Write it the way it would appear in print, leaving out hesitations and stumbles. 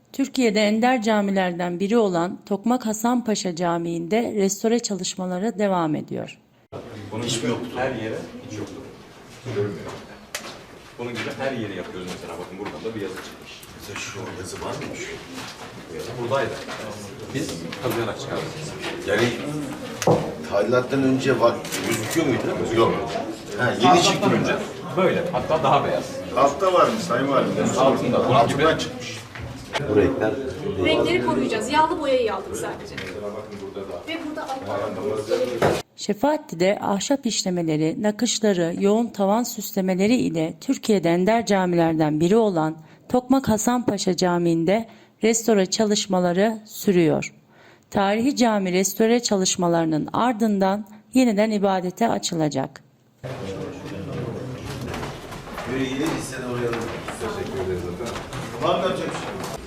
Türkiye'de ender camilerden biri olan Tokmak Hasanpaşa Camii'nde restore çalışmaları devam ediyor. Bunun Hiç gibi mi yoktu? her yere hiç yoktu. Görünmüyor. Bunun gibi her yere yapıyoruz mesela. Bakın buradan da bir yazı çıkmış. Mesela şu yazı var mıymış? Bu yazı buradaydı. Biz kazıyarak çıkardık. Yani tadilattan önce var, gözüküyor muydu? Yok. Ha, yeni çıktı önce. Böyle. Hatta daha beyaz. Altta varmış Sayın Valim. Altında. Bunun gibi Altından çıkmış. Bu renkler Renkleri koruyacağız. Yağlı boyayı aldık sadece. bakın burada da. Ve burada altta Şefaatli'de ahşap işlemeleri, nakışları, yoğun tavan süslemeleri ile Türkiye'de ender camilerden biri olan Tokmak Hasanpaşa Camii'nde restore çalışmaları sürüyor. Tarihi cami restore çalışmalarının ardından yeniden ibadete açılacak. böyle iyi değilse de oraya da teşekkür ederiz efendim. Var mı yapacak bir şey?